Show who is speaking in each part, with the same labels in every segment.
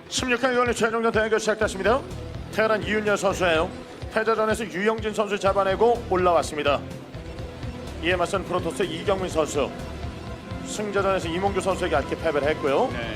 Speaker 1: 16강 이번에 최종전 대결 시작됐습니다. 테란 이윤열 선수예요. 패자전에서 유영진 선수 잡아내고 올라왔습니다. 이에 맞선 프로토스 이경민 선수. 승자전에서 이몽규 선수에게 아쉽게 패배를 했고요.
Speaker 2: 네.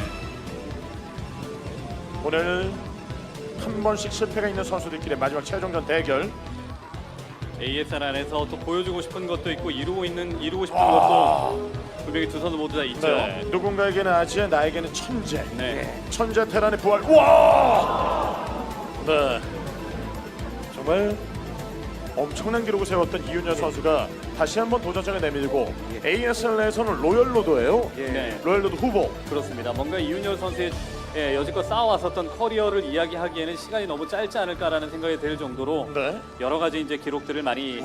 Speaker 1: 오늘 한 번씩 실패가 있는 선수들끼리 마지막 최종전 대결.
Speaker 2: ASL 안에서 또 보여주고 싶은 것도 있고 이루고 싶은 것도 분명히 두 선수 모두 다 있죠.
Speaker 1: 네. 누군가에게는 아지에 나에게는 천재.
Speaker 2: 네.
Speaker 1: 천재 테란의 부활. 와! 네. 정말 엄청난 기록을 세웠던 이윤열 선수가 다시 한번 도전장을 내밀고 ASL에서는 로열로드예요.
Speaker 2: 네.
Speaker 1: 로열로드 후보.
Speaker 2: 그렇습니다. 뭔가 이윤열 선수의 여지껏 쌓아왔었던 커리어를 이야기하기에는 시간이 너무 짧지 않을까라는 생각이 들 정도로
Speaker 1: 네.
Speaker 2: 여러 가지 이제 기록들을 많이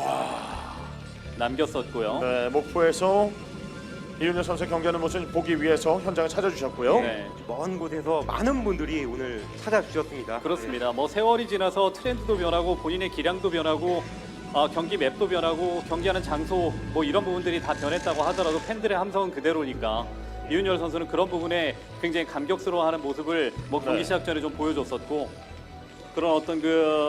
Speaker 2: 남겼었고요.
Speaker 1: 네. 목포에서 이윤열 선수의 경기하는 모습 보기 위해서 현장을 찾아주셨고요.
Speaker 2: 네.
Speaker 3: 먼 곳에서 많은 분들이 오늘 찾아주셨습니다.
Speaker 2: 그렇습니다. 뭐 세월이 지나서 트렌드도 변하고 본인의 기량도 변하고 경기 맵도 변하고 경기하는 장소 뭐 이런 부분들이 다 변했다고 하더라도 팬들의 함성은 그대로니까 이윤열 선수는 그런 부분에 굉장히 감격스러워하는 모습을 뭐 경기
Speaker 1: 네.
Speaker 2: 시작 전에 좀 보여줬었고 그런 어떤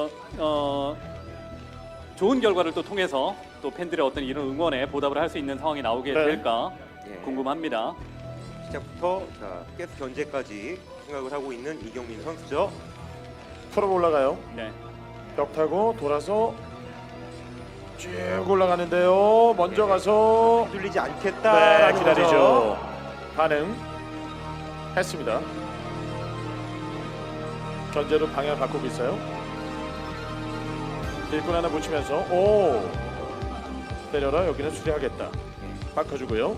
Speaker 2: 좋은 결과를 또 통해서 또 팬들의 어떤 이런 응원에 보답을 할 수 있는 상황이 나오게
Speaker 1: 네.
Speaker 2: 될까
Speaker 3: 예.
Speaker 2: 궁금합니다.
Speaker 3: 시작부터 계속 견제까지 생각을 하고 있는 이경민 선수죠.
Speaker 1: 프로 올라가요.
Speaker 2: 네.
Speaker 1: 벽 타고 돌아서 쭉 올라가는데요. 먼저 가서
Speaker 3: 휘둘리지
Speaker 1: 네,
Speaker 3: 않겠다라는
Speaker 1: 기다리죠.
Speaker 3: 거죠.
Speaker 1: 반응 했습니다. 견제로 방향 바꾸고 있어요. 일꾼 하나 붙이면서 오 때려라. 여기는 수리하겠다. 바꿔주고요.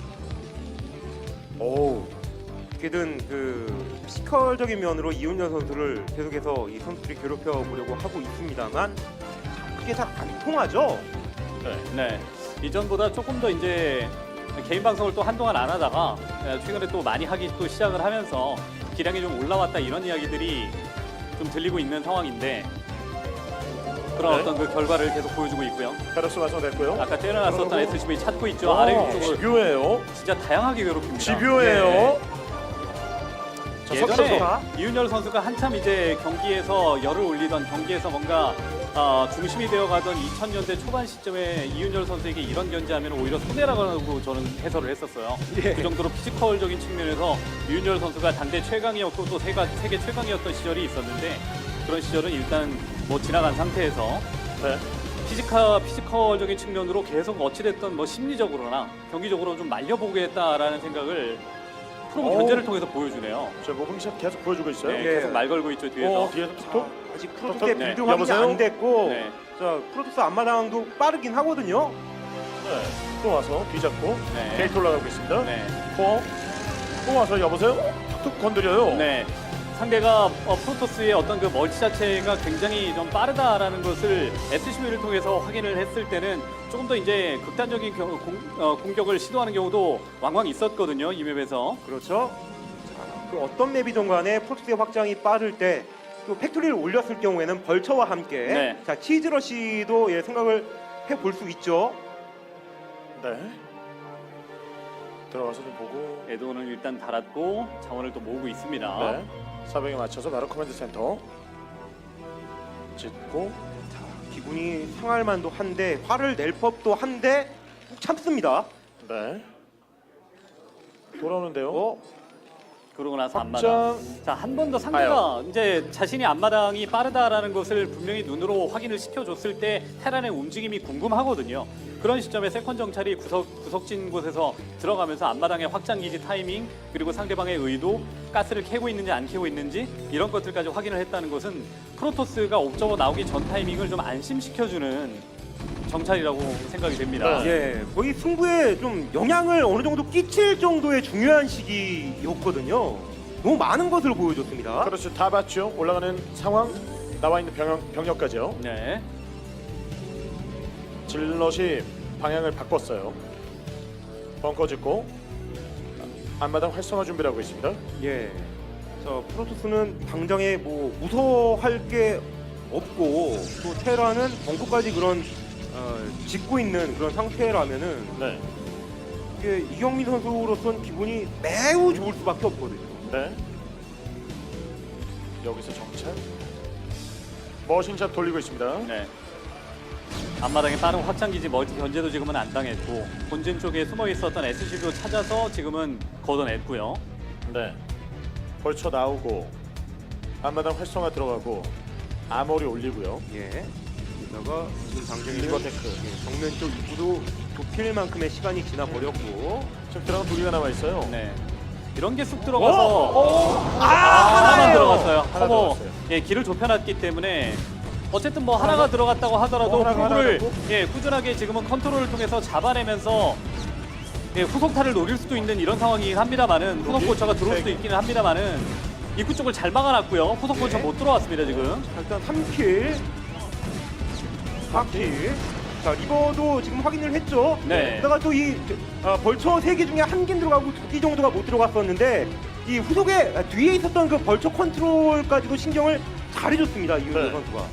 Speaker 1: 오
Speaker 3: 어떻게든 그 피지컬적인 면으로 이윤열 선수를 계속해서 이 선수들이 괴롭혀 보려고 하고 있습니다만 그게 잘 안 통하죠.
Speaker 1: 네.
Speaker 2: 네. 이전보다 조금 더 이제 개인 방송을 또 한동안 안 하다가 최근에 또 많이 하기 또 시작을 하면서 기량이 좀 올라왔다 이런 이야기들이 좀 들리고 있는 상황인데 그런
Speaker 1: 네.
Speaker 2: 어떤 그 결과를 계속 보여주고 있고요.
Speaker 1: 페러스 완성됐고요.
Speaker 2: 아까 때려놨었던 SCV 찾고 있죠. 아래 위쪽으로
Speaker 1: 집요해요.
Speaker 2: 진짜 다양하게 괴롭힙니다.
Speaker 1: 집요해요.
Speaker 2: 네.
Speaker 1: 자,
Speaker 2: 예전에
Speaker 1: 석선수.
Speaker 2: 이윤열 선수가 한참 이제 경기에서 열을 올리던 경기에서 뭔가 중심이 되어가던 2000년대 초반 시점에 이윤열 선수에게 이런 견제하면 오히려 손해라고 저는 해설을 했었어요. 그 정도로 피지컬적인 측면에서 이윤열 선수가 당대 최강이었고 또 세계 최강이었던 시절이 있었는데 그런 시절은 일단 뭐 지나간 상태에서
Speaker 1: 네.
Speaker 2: 피지컬적인 측면으로 계속 어찌됐든 뭐 심리적으로나 경기적으로 좀 말려보겠다라는 생각을 프로 견제를 통해서 보여주네요.
Speaker 1: 저 모범샷 계속 보여주고 있어요.
Speaker 2: 네,
Speaker 3: 예.
Speaker 2: 계속 말 걸고 있죠 뒤에서.
Speaker 1: 뒤에서 톡톡.
Speaker 3: 아직 프로토스의
Speaker 2: 네.
Speaker 3: 빌드 확인이 안 됐고
Speaker 2: 네.
Speaker 3: 자 프로토스 앞마당도 빠르긴 하거든요.
Speaker 1: 네. 또 와서 뒤잡고
Speaker 2: 네.
Speaker 1: 게이트 올라가고 있습니다.
Speaker 2: 네.
Speaker 1: 또 와서 여보세요? 툭툭 건드려요.
Speaker 2: 네. 상대가 프로토스의 어떤 그 멀티 자체가 굉장히 좀 빠르다라는 것을 SCV를 통해서 확인을 했을 때는 조금 더 이제 극단적인 공격을 시도하는 경우도 왕왕 있었거든요. 이 맵에서.
Speaker 3: 그렇죠. 자, 그 어떤 맵이든 간에 프로토스의 확장이 빠를 때 또 팩토리를 올렸을 경우에는 벌처와 함께
Speaker 2: 네.
Speaker 3: 자 치즈러시도 생각을 해볼 수 있죠.
Speaker 1: 네. 들어가서 좀 보고.
Speaker 2: 에드온을 일단 달았고 자원을 또 모으고 있습니다.
Speaker 1: 네. 사병에 맞춰서 바로 커맨드 센터 짓고.
Speaker 3: 기분이 상할 만도 한데 화를 낼 법도 한데 꼭 참습니다.
Speaker 1: 네. 돌아오는데요.
Speaker 2: 그러고 나서
Speaker 1: 확장.
Speaker 2: 앞마당. 자, 한 번 더 상대가 이제 자신이 앞마당이 빠르다라는 것을 분명히 눈으로 확인을 시켜줬을 때 테란의 움직임이 궁금하거든요. 그런 시점에 세컨 정찰이 구석진 곳에서 들어가면서 앞마당의 확장 기지 타이밍 그리고 상대방의 의도, 가스를 캐고 있는지 안 캐고 있는지 이런 것들까지 확인을 했다는 것은 프로토스가 옵저버 나오기 전 타이밍을 좀 안심시켜주는 정찰이라고 생각이 됩니다.
Speaker 1: 네.
Speaker 3: 예, 거의 승부에 좀 영향을 어느 정도 끼칠 정도의 중요한 시기였거든요. 너무 많은 것을 보여줬습니다.
Speaker 1: 그렇죠. 다 봤죠. 올라가는 상황. 나와 있는 병력까지요.
Speaker 2: 네.
Speaker 1: 질럿이 방향을 바꿨어요. 벙커 짓고 앞마당 활성화 준비를 하고 있습니다.
Speaker 3: 예, 저 프로토스는 당장에 뭐 무서워할 게 없고 또 테라는 벙커까지 그런 짓고 있는 그런 상태라면은
Speaker 1: 네.
Speaker 3: 이게 이경민 선수로서는 기분이 매우 좋을 수밖에 없거든요.
Speaker 1: 네. 여기서 정찰. 머신샵 돌리고 있습니다.
Speaker 2: 네. 앞마당에 빠른 확장기지 멀티 견제도 지금은 안 당했고 본진 쪽에 숨어 있었던 SCV도 찾아서 지금은 걷어냈고요.
Speaker 1: 네. 벌쳐 나오고 앞마당 활성화 들어가고 아머리 올리고요.
Speaker 3: 예. 게다가 지금 당장에는
Speaker 1: 리버테크.
Speaker 3: 예, 정면 쪽 입구도 좁힐 만큼의 시간이 지나 버렸고.
Speaker 1: 지금 들어간 두 개가 남아 있어요.
Speaker 2: 네. 이런 게 쑥 들어가서
Speaker 3: 하나예요.
Speaker 2: 하나만 들어갔어요.
Speaker 1: 하나
Speaker 2: 커버
Speaker 1: 들어갔어요.
Speaker 2: 예, 길을 좁혀놨기 때문에 어쨌든 뭐 하나가 들어갔다고 하더라도
Speaker 1: 하나가
Speaker 2: 프로를
Speaker 1: 하나라고?
Speaker 2: 예, 꾸준하게 지금은 컨트롤을 통해서 잡아내면서 예, 후속타를 노릴 수도 있는 이런 상황이긴 합니다만은 후속
Speaker 1: 여기?
Speaker 2: 고쳐가 들어올 수도 있기는 합니다만은 입구 쪽을 잘 막아놨고요. 후속 고쳐
Speaker 3: 네.
Speaker 2: 못 들어왔습니다 지금.
Speaker 3: 자, 일단 3킬, 4킬. 자, 리버도 지금 확인을 했죠.
Speaker 2: 네.
Speaker 3: 게다가 또 이 벌처 3개 중에 한 개 들어가고 2개 정도가 못 들어갔었는데 이 후속에 뒤에 있었던 그 벌처 컨트롤까지도 신경을 잘 해줬습니다. 이윤호
Speaker 1: 네.
Speaker 3: 선수가.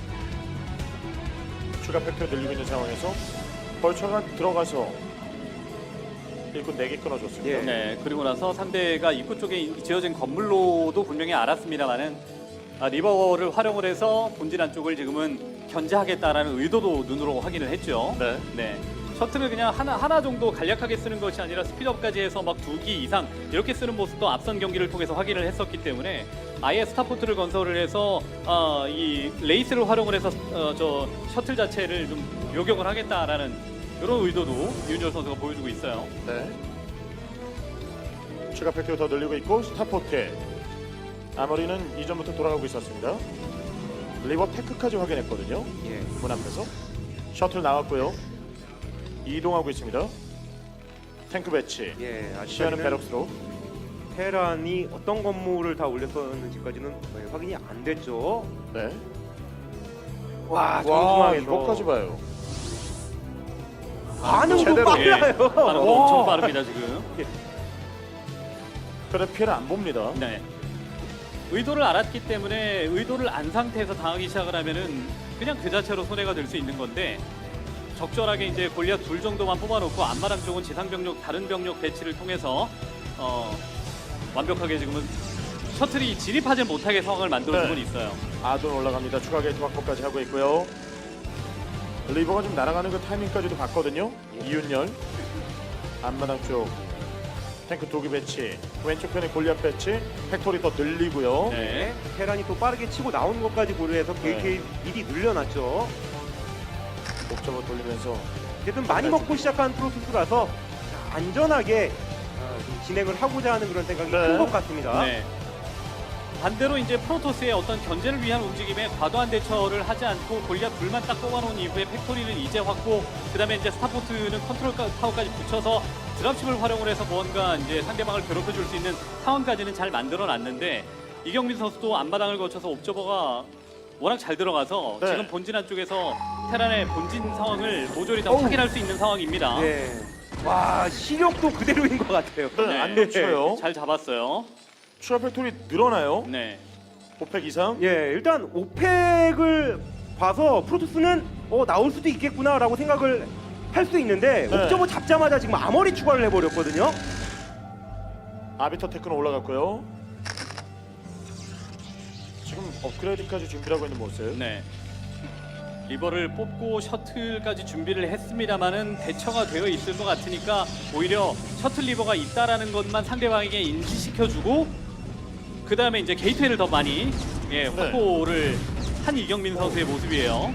Speaker 1: 추가 팩토리 늘리고 있는 상황에서 벌처가 들어가서 일꾼 4개 끊어줬습니다.
Speaker 3: 예.
Speaker 2: 네. 그리고 나서 상대가 입구 쪽에 지어진 건물로도 분명히 알았습니다만은 리버를 활용을 해서 본진 안쪽을 지금은 견제하겠다라는 의도도 눈으로 확인을 했죠.
Speaker 1: 네.
Speaker 2: 네. 셔틀을 그냥 하나 정도 간략하게 쓰는 것이 아니라 스피드업까지 해서 막 2기 이상 이렇게 쓰는 모습도 앞선 경기를 통해서 확인을 했었기 때문에 아예 스타포트를 건설을 해서 이 레이스를 활용을 해서 저 셔틀 자체를 좀 요격을 하겠다라는 이런 의도도 윤열 선수가 보여주고 있어요.
Speaker 1: 네. 추가 팩토리 더 늘리고 있고 스타포트 아머리는 이전부터 돌아가고 있었습니다. 리버 테크까지 확인했거든요.
Speaker 3: 예.
Speaker 1: 문 앞에서 셔틀 나왔고요. 이동하고 있습니다. 탱크 배치.
Speaker 3: 예.
Speaker 1: 시야는
Speaker 3: 아직까지는
Speaker 1: 베럭스로.
Speaker 3: 테란이 어떤 건물을 다 올렸었는지까지는 확인이 안 됐죠.
Speaker 1: 네.
Speaker 3: 와,
Speaker 1: 와,
Speaker 3: 정중앙에서
Speaker 1: 이거까지 봐요.
Speaker 3: 반응도
Speaker 1: 제대로.
Speaker 3: 빨라요.
Speaker 2: 반응도 엄청 빠릅니다 지금.
Speaker 1: 그래 피해를 안 봅니다.
Speaker 2: 네. 의도를 알았기 때문에 의도를 안 상태에서 당하기 시작을 하면은 그냥 그 자체로 손해가 될 수 있는 건데 적절하게 이제 골리앗 둘 정도만 뽑아놓고 앞마당 쪽은 지상 병력 다른 병력 배치를 통해서 완벽하게 지금은 셔틀이 진입하지 못하게 상황을 만들어주고
Speaker 1: 네.
Speaker 2: 있어요.
Speaker 1: 아돈 올라갑니다. 추가 게이트 확보까지 하고 있고요. 리버가 좀 날아가는 그 타이밍까지도 봤거든요. 이윤열 앞마당 쪽 탱크 도기 배치, 왼쪽 편에 골리앗 배치, 팩토리 더 늘리고요.
Speaker 2: 네.
Speaker 3: 테란이 또 빠르게 치고 나오는 것까지 고려해서
Speaker 1: 네.
Speaker 3: 미리 늘려놨죠.
Speaker 1: 목적을 돌리면서
Speaker 3: 어쨌든 많이 먹고 시작한 프로토스라서 안전하게 좀 진행을 하고자 하는 그런 생각이
Speaker 1: 네.
Speaker 3: 큰 것 같습니다.
Speaker 2: 네. 반대로 이제 프로토스의 어떤 견제를 위한 움직임에 과도한 대처를 하지 않고 골리앗 둘만 딱 뽑아놓은 이후에 팩토리는 이제 확보, 그다음에 이제 스타포트는 컨트롤 타워까지 붙여서 드랍십을 활용을 해서 뭔가 이제 상대방을 괴롭혀줄 수 있는 상황까지는 잘 만들어놨는데 이경민 선수도 앞마당을 거쳐서 옵저버가 워낙 잘 들어가서
Speaker 1: 네.
Speaker 2: 지금 본진 안쪽에서 테란의 본진 상황을 모조리 다 확인할 수 있는 상황입니다.
Speaker 3: 네. 와, 시력도 그대로인 것 같아요.
Speaker 1: 네, 안 놓쳐요.
Speaker 2: 잘 잡았어요.
Speaker 1: 추가 팩토리 늘어나요.
Speaker 2: 네.
Speaker 1: 5팩 이상.
Speaker 3: 예, 일단 오펙을 봐서 프로토스는 나올 수도 있겠구나라고 생각을 할 수 있는데
Speaker 1: 네.
Speaker 3: 옵저버 잡자마자 지금 아머리 추가를 해버렸거든요.
Speaker 1: 아비터 테크는 올라갔고요. 지금 업그레이드까지 준비하고 있는 모습.
Speaker 2: 네. 리버를 뽑고 셔틀까지 준비를 했습니다만은 대처가 되어 있을 것 같으니까 오히려 셔틀 리버가 있다라는 것만 상대방에게 인지시켜주고 그 다음에 이제 게이트웨이를 더 많이 확보를 한 이경민 선수의 모습이에요.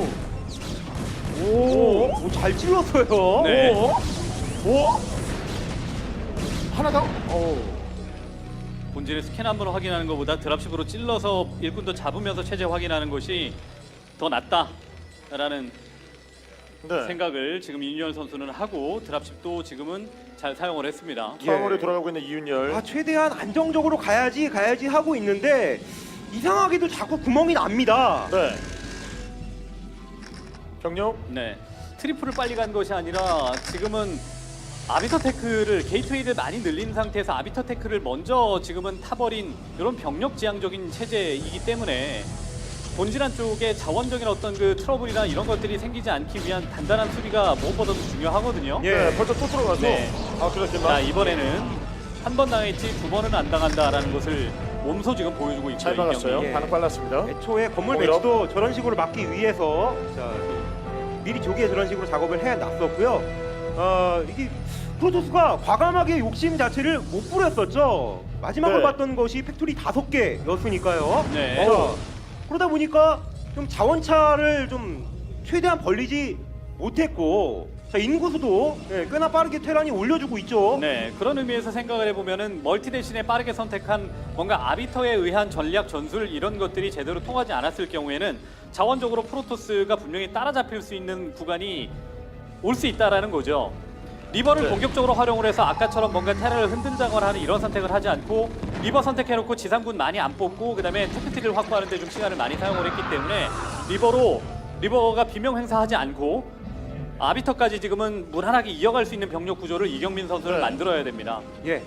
Speaker 3: 오, 잘 찔렀어요.
Speaker 2: 네.
Speaker 1: 오. 하나 더. 오.
Speaker 2: 본진의 스캔 한번 확인하는 것보다 드랍십으로 찔러서 일꾼도 잡으면서 체제 확인하는 것이 더 낫다라는
Speaker 1: 네.
Speaker 2: 생각을 지금 이윤열 선수는 하고 드랍십도 지금은 잘 사용을 했습니다.
Speaker 1: 상황으로
Speaker 3: 예.
Speaker 1: 돌아가고 있는 이윤열.
Speaker 3: 아, 최대한 안정적으로 가야지 하고 있는데 이상하게도 자꾸 구멍이 납니다.
Speaker 1: 네. 경력.
Speaker 2: 네, 트리플을 빨리 간 것이 아니라 지금은 아비터 테크를 게이트웨이를 많이 늘린 상태에서 아비터 테크를 먼저 지금은 타버린 이런 병력 지향적인 체제이기 때문에 본질한 쪽에 자원적인 어떤 그 트러블이나 이런 것들이 생기지 않기 위한 단단한 수비가 무엇보다도 중요하거든요.
Speaker 3: 예.
Speaker 1: 네. 벌써 또 들어가서.
Speaker 2: 네.
Speaker 1: 아
Speaker 2: 자,
Speaker 1: 그렇지만.
Speaker 2: 이번에는 한 번 당했지 두 번은 안 당한다라는 것을 몸소 지금 보여주고 있죠.
Speaker 1: 잘 막았어요.
Speaker 2: 이경민.
Speaker 3: 예.
Speaker 1: 반응 빨랐습니다.
Speaker 3: 애초에 건물
Speaker 1: 오히려?
Speaker 3: 배치도 저런 식으로 막기 위해서 자, 미리 조기에 저런 식으로 작업을 해놨었고요. 이게 프로토스가 과감하게 욕심 자체를 못 부렸었죠. 마지막으로
Speaker 1: 네.
Speaker 3: 봤던 것이 팩토리 5개였으니까요.
Speaker 2: 네.
Speaker 3: 그러다 보니까 좀 자원차를 좀 최대한 벌리지 못했고, 자, 인구수도 꽤나 빠르게 테란이 올려주고 있죠.
Speaker 2: 네, 그런 의미에서 생각을 해보면은 멀티 대신에 빠르게 선택한 뭔가 아비터에 의한 전략 전술 이런 것들이 제대로 통하지 않았을 경우에는 자원적으로 프로토스가 분명히 따라잡힐 수 있는 구간이 올 수 있다라는 거죠. 리버를
Speaker 1: 네.
Speaker 2: 공격적으로 활용을 해서 아까처럼 뭔가 테라를 흔든다거나 하는 이런 선택을 하지 않고 리버 선택해놓고 지상군 많이 안 뽑고 그 다음에 테크트리를 확보하는 데 좀 시간을 많이 사용을 했기 때문에 리버가 비명 행사하지 않고 아비터까지 지금은 무난하게 이어갈 수 있는 병력 구조를 이경민 선수는
Speaker 1: 네.
Speaker 2: 만들어야 됩니다.
Speaker 3: 예.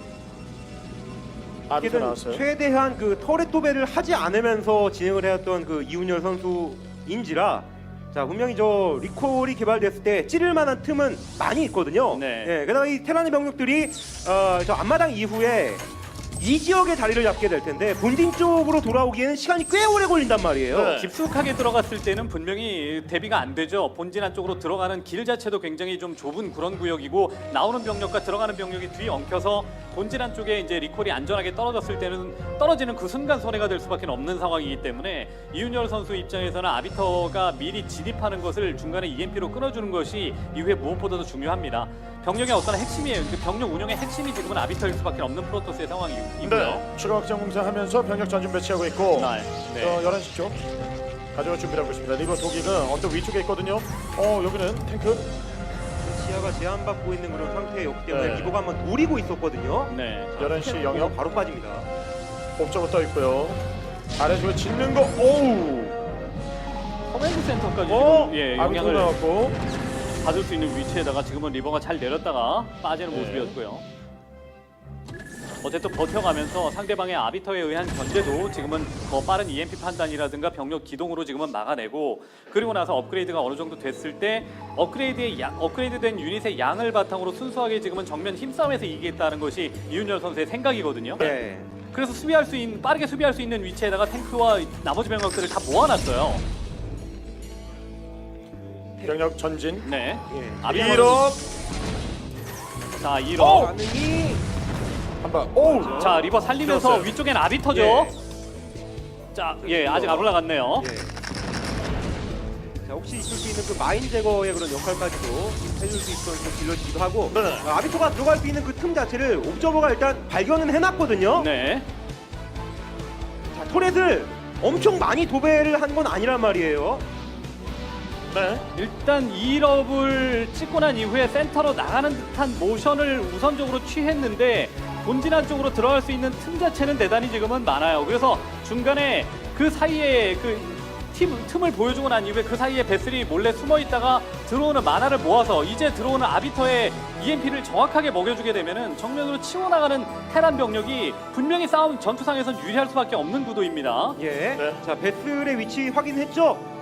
Speaker 1: 아비터
Speaker 3: 어떻게든
Speaker 1: 나왔어요.
Speaker 3: 최대한 그 터렛 도배를 하지 않으면서 진행을 해왔던 그 이훈열 선수인지라, 자, 분명히 저 리콜이 개발됐을 때 찌를 만한 틈은 많이 있거든요.
Speaker 2: 네.
Speaker 3: 예, 게다가 이 테란의 병력들이 저 앞마당 이후에 이 지역에 자리를 잡게 될 텐데 본진 쪽으로 돌아오기에는 시간이 꽤 오래 걸린단 말이에요.
Speaker 1: 네.
Speaker 2: 깊숙하게 들어갔을 때는 분명히 대비가 안 되죠. 본진 안쪽으로 들어가는 길 자체도 굉장히 좀 좁은 그런 구역이고 나오는 병력과 들어가는 병력이 뒤 엉켜서 본진 안쪽에 이제 리콜이 안전하게 떨어졌을 때는 떨어지는 그 순간 손해가 될 수밖에 없는 상황이기 때문에 이윤열 선수 입장에서는 아비터가 미리 진입하는 것을 중간에 EMP로 끊어주는 것이 이후에 무엇보다도 중요합니다. 병력의 어떤 핵심이에요. 그 병력 운영의 핵심이 지금은 아비터일 수밖에 없는 프로토스의 상황이고요.
Speaker 1: 네. 추가 확장 공사하면서 병력 전진 배치하고 있고
Speaker 2: 네.
Speaker 1: 11시 쪽 가져갈 준비를 하고 있습니다. 리버 도기가 언덕 위쪽에 있거든요. 여기는 탱크.
Speaker 3: 시야가 제한받고 있는 그런 상태였기 때문에
Speaker 1: 네.
Speaker 3: 리버가 한번 노리고 있었거든요.
Speaker 2: 네.
Speaker 1: 11시 영역
Speaker 3: 바로 빠집니다.
Speaker 1: 옵저버 떠 있고요. 아래쪽에 짓는 거. 오우.
Speaker 2: 커맨드 센터까지
Speaker 1: 어?
Speaker 2: 지금 예,
Speaker 1: 아비터
Speaker 2: 영향을
Speaker 1: 나왔고.
Speaker 2: 받을 수 있는 위치에다가 지금은 리버가 잘 내렸다가 빠지는
Speaker 1: 네.
Speaker 2: 모습이었고요. 어쨌든 버텨가면서 상대방의 아비터에 의한 견제도 지금은 더 빠른 EMP 판단이라든가 병력 기동으로 지금은 막아내고, 그리고 나서 업그레이드가 어느 정도 됐을 때 업그레이드된 유닛의 양을 바탕으로 순수하게 지금은 정면 힘싸움에서 이기겠다는 것이 이윤열 선수의 생각이거든요.
Speaker 3: 네.
Speaker 2: 그래서 빠르게 수비할 수 있는 위치에다가 탱크와 나머지 병력들을 다 모아놨어요.
Speaker 1: 병력 전진.
Speaker 2: 네.
Speaker 3: 예.
Speaker 2: 아비터
Speaker 1: 1억.
Speaker 2: 자, 1억.
Speaker 3: 반응이
Speaker 1: 한방. 오우.
Speaker 2: 자, 리버 살리면서
Speaker 1: 들었어요.
Speaker 2: 위쪽엔 아비터죠.
Speaker 3: 예.
Speaker 2: 자, 예, 아직 안 올라갔네요.
Speaker 3: 예. 자, 혹시 있을 수 있는 그 마인 제거의 그런 역할까지도 해줄 수 있던 딜러지기도 하고,
Speaker 1: 네.
Speaker 3: 아비토가 들어갈 수 있는 그 틈 자체를 옵저버가 일단 발견은 해놨거든요.
Speaker 2: 네.
Speaker 3: 자, 터렛을 엄청 많이 도배를 한 건 아니란 말이에요.
Speaker 1: 네.
Speaker 2: 일단 2럽을 찍고 난 이후에 센터로 나가는 듯한 모션을 우선적으로 취했는데 본진 안쪽으로 들어갈 수 있는 틈 자체는 대단히 지금은 많아요. 그래서 중간에 그 사이에 그 틈을 보여주고 난 이후에 그 사이에 베슬이 몰래 숨어 있다가 들어오는 만화를 모아서 이제 들어오는 아비터의 EMP를 정확하게 먹여주게 되면은 정면으로 치워나가는 테란 병력이 분명히 싸움 전투상에선 유리할 수밖에 없는 구도입니다.
Speaker 3: 예.
Speaker 1: 네.
Speaker 3: 자, 베슬의 위치 확인했죠?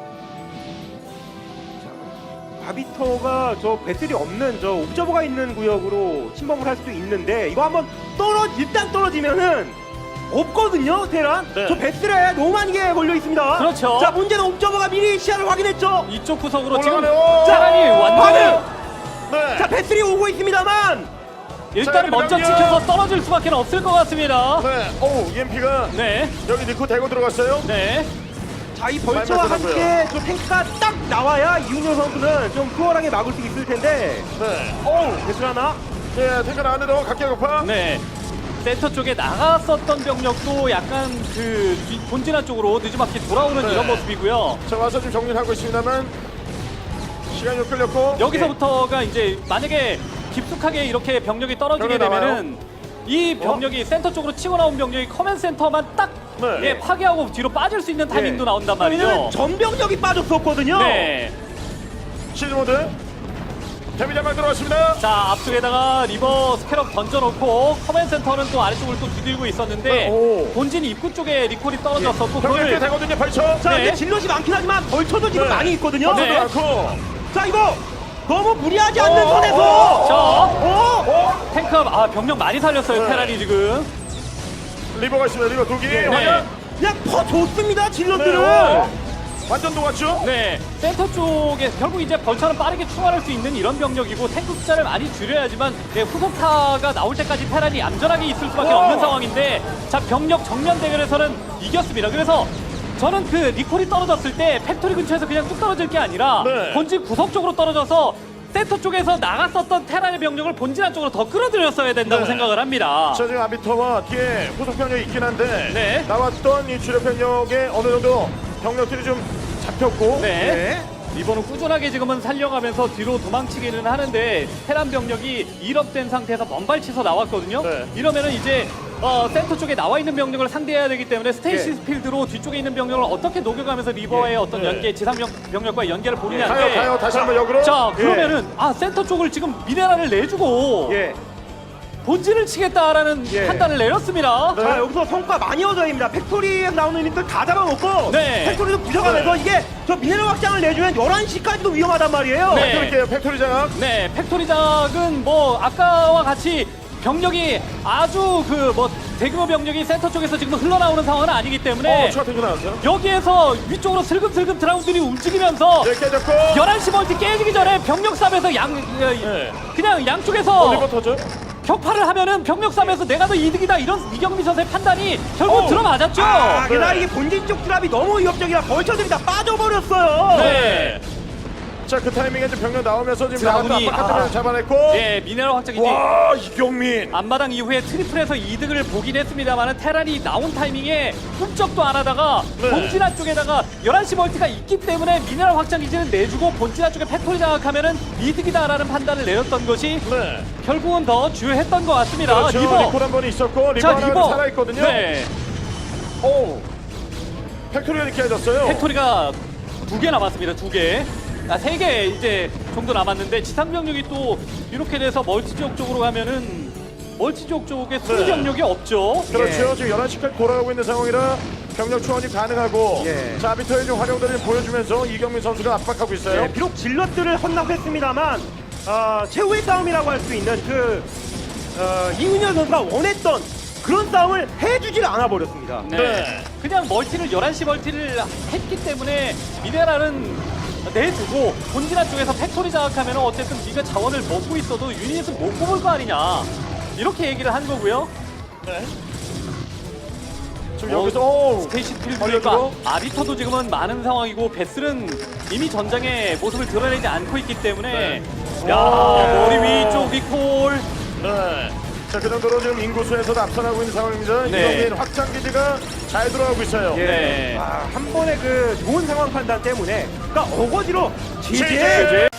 Speaker 3: 아비터가 저 배틀이 없는 저 옵저버가 있는 구역으로 침범을 할 수도 있는데, 이거 한번 일단 떨어지면은 없거든요, 테란.
Speaker 1: 네.
Speaker 3: 저 배틀에 너무 많이 걸려 있습니다.
Speaker 2: 그렇죠.
Speaker 3: 자, 문제는 옵저버가 미리 시야를 확인했죠.
Speaker 2: 이쪽 구석으로 지금
Speaker 1: 올라가네요.
Speaker 2: 테란이 완전히
Speaker 1: 네.
Speaker 3: 자, 배틀이 오고 있습니다만,
Speaker 2: 일단은 먼저
Speaker 1: 병력.
Speaker 2: 지켜서 떨어질 수밖에 없을 것 같습니다.
Speaker 1: 네. 오우, EMP가
Speaker 2: 네,
Speaker 1: 여기 넣고 대고 들어갔어요.
Speaker 2: 네.
Speaker 3: 자, 이 벌처와
Speaker 1: 많이 맞더라고요.
Speaker 3: 함께 저 탱크가 딱 나와야 이윤열 선수는 좀 수월하게 막을 수 있을 텐데.
Speaker 1: 네. 오우.
Speaker 3: 배틀 하나.
Speaker 1: 예, 탱크 안으로 각계 격파.
Speaker 2: 네. 센터 쪽에 나갔었던 병력도 약간 그 본진화 쪽으로 늦지막히 돌아오는
Speaker 1: 네.
Speaker 2: 이런 모습이고요.
Speaker 1: 자, 와서 좀 정리를 하고 있습니다만 시간이 좀 끌렸고.
Speaker 2: 여기서부터가 이제 만약에 깊숙하게 이렇게 병력이 떨어지게
Speaker 1: 병력
Speaker 2: 되면은 이 병력이 센터 쪽으로 치고 나온 병력이 커맨 센터만 딱
Speaker 1: 네.
Speaker 2: 예, 파괴하고 뒤로 빠질 수 있는 타이밍도 나온단
Speaker 3: 왜냐면
Speaker 2: 말이죠.
Speaker 3: 전병력이 빠졌었거든요.
Speaker 2: 네.
Speaker 1: 시즈 모드. 데미지만 들어왔습니다.
Speaker 2: 자, 앞쪽에다가 리버 스캐럽 던져놓고 커맨 센터는 또 아래쪽을 또 두들고 있었는데
Speaker 1: 오.
Speaker 2: 본진 입구 쪽에 리콜이 떨어졌었고
Speaker 1: 병력이
Speaker 2: 그걸
Speaker 1: 되거든요. 벌쳐.
Speaker 3: 자,
Speaker 2: 네.
Speaker 3: 이제 질럿이 많긴 하지만 벌처도 지금
Speaker 1: 네.
Speaker 3: 많이 있거든요.
Speaker 2: 네.
Speaker 1: 많고.
Speaker 3: 자, 이거 너무 무리하지 않는
Speaker 1: 어,
Speaker 3: 선에서.
Speaker 2: 자,
Speaker 3: 어?
Speaker 2: 탱크가 병력 많이 살렸어요.
Speaker 1: 네.
Speaker 2: 테란이 지금.
Speaker 1: 리버가 있습니다. 리버 두 개.
Speaker 2: 네.
Speaker 4: 그냥 퍼줬습니다 질럿들을.
Speaker 1: 완전 녹았죠?
Speaker 2: 네, 센터 쪽에 결국 이제 벌처럼 빠르게 충원할 수 있는 이런 병력이고 탱크 숫자를 많이 줄여야지만 후속타가 나올 때까지 테란이 얌전하게 있을 수밖에 없는 상황인데 자 병력 정면 대결에서는 이겼습니다. 그래서 저는 그 리콜이 떨어졌을 때 팩토리 근처에서 그냥 뚝 떨어질 게 아니라
Speaker 1: 네.
Speaker 2: 본진 구석 쪽으로 떨어져서 센터 쪽에서 나갔었던 테란의 병력을 본진 안쪽으로 더 끌어들였어야 된다고
Speaker 1: 네.
Speaker 2: 생각을 합니다.
Speaker 1: 자, 지금 아비터와 뒤에 후속 병력이 있긴 한데
Speaker 2: 네.
Speaker 1: 나왔던 이 주력 병력에 어느 정도 병력들이 좀 잡혔고
Speaker 2: 네. 리버는 꾸준하게 지금은 살려가면서 뒤로 도망치기는 하는데 테란 병력이 1업된 상태에서 먼발치서 나왔거든요.
Speaker 1: 네.
Speaker 2: 이러면은 이제 센터 쪽에 나와 있는 병력을 상대해야 되기 때문에 스테이시 필드로 뒤쪽에 있는 병력을 어떻게 녹여가면서 리버의 어떤
Speaker 1: 네.
Speaker 2: 연계, 지상 병력과의 연계를 보느냐인데
Speaker 1: 가요 다시 한번 역으로.
Speaker 2: 자 그러면은 센터 쪽을 지금 미네랄을 내주고
Speaker 4: 예.
Speaker 2: 본진을 치겠다라는
Speaker 4: 예.
Speaker 2: 판단을 내렸습니다.
Speaker 1: 네.
Speaker 4: 자 여기서 성과 많이 얻어야 됩니다. 팩토리에 나오는 인들 다 잡아먹고
Speaker 2: 네.
Speaker 4: 팩토리도 부셔가면서 이게 저 미네랄 확장을 내주면 11시까지도 위험하단 말이에요.
Speaker 2: 네.
Speaker 1: 팩토리 팩토리 장악.
Speaker 2: 네, 팩토리작은 뭐 아까와 같이 병력이 아주 그 뭐 대규모 병력이 센터 쪽에서 지금 흘러나오는 상황은 아니기 때문에
Speaker 1: 추가 탱크 나왔어요.
Speaker 2: 여기에서 위쪽으로 슬금슬금 드라군들이 움직이면서
Speaker 1: 네, 깨졌고.
Speaker 2: 11시 멀티 깨지기 전에 병력 싸움에서
Speaker 1: 네.
Speaker 2: 그냥 양쪽에서
Speaker 1: 리버 터져.
Speaker 2: 격파를 하면은 병력 싸움에서 내가 더 이득이다 이런 이경민 선수의 판단이 결국 들어맞았죠.
Speaker 4: 게다가
Speaker 1: 네.
Speaker 4: 이게 본진 쪽 드랍이 너무 위협적이라 벌처들이 다 빠져버렸어요.
Speaker 2: 네.
Speaker 1: 자, 그 타이밍에 지금 병력 나오면서 지금
Speaker 2: 드라군이-
Speaker 1: 나갔다 바깥으로 잡아냈고.
Speaker 2: 예, 미네랄 확장이지.
Speaker 1: 와, 이경민.
Speaker 2: 앞마당 이후에 트리플에서 이득을 보긴 했습니다만 테란이 나온 타이밍에 꿈쩍도 안 하다가
Speaker 1: 네.
Speaker 2: 본진화 쪽에다가 11시 멀티가 있기 때문에 미네랄 확장 기지는 내주고 본진화 쪽에 팩토리 장악하면은 이득이다라는 판단을 내렸던 것이
Speaker 1: 네.
Speaker 2: 결국은 더 주요했던 것 같습니다.
Speaker 1: 그렇죠.
Speaker 2: 리버.
Speaker 1: 리콜 한 번 있었고 리버
Speaker 2: 자,
Speaker 1: 하나
Speaker 2: 리버.
Speaker 1: 살아있거든요.
Speaker 2: 네.
Speaker 1: 오. 팩토리가 이렇게 해졌어요.
Speaker 2: 팩토리가 2개 남았습니다. 2개. 3개 이제 정도 남았는데 지상 병력이 또 이렇게 돼서 멀티 지역 쪽으로 가면은 멀티 지역 쪽에 수비
Speaker 1: 네.
Speaker 2: 병력이 없죠.
Speaker 1: 그렇죠. 지금 11시까지 돌아가고 있는 상황이라 병력 초원이 가능하고
Speaker 4: 예.
Speaker 1: 자, 아비터의 좀 활용들을 보여주면서 이경민 선수가 압박하고 있어요.
Speaker 4: 네, 비록 질럿들을 헌납했습니다만 최후의 싸움이라고 할 수 있는 이윤열 선수가 원했던 그런 싸움을 해주질 않아 버렸습니다.
Speaker 2: 네.
Speaker 1: 네.
Speaker 2: 그냥 멀티를 11시 멀티를 했기 때문에 미네랄은 내두고 본진화 쪽에서 팩토리 장악하면 어쨌든 네가 자원을 먹고 있어도 유닛을 못 뽑을 거 아니냐 이렇게 얘기를 한 거고요.
Speaker 1: 네. 지금 여기서 오.
Speaker 2: 스테이시 필드니까
Speaker 1: 걸려들어?
Speaker 2: 아비터도 지금은 많은 상황이고 베슬은 이미 전장의 모습을 드러내지 않고 있기 때문에
Speaker 1: 네.
Speaker 2: 야
Speaker 1: 오.
Speaker 2: 머리 위쪽 리콜
Speaker 1: 네. 자, 그 정도로 지금 인구수에서도 앞서나고 있는 상황입니다.
Speaker 2: 네.
Speaker 1: 이경민 확장 기지가 잘 돌아가고 있어요.
Speaker 4: 예.
Speaker 2: 네.
Speaker 4: 한 번의 그 좋은 상황 판단 때문에 그러니까 어거지로
Speaker 1: 제재!
Speaker 4: 제재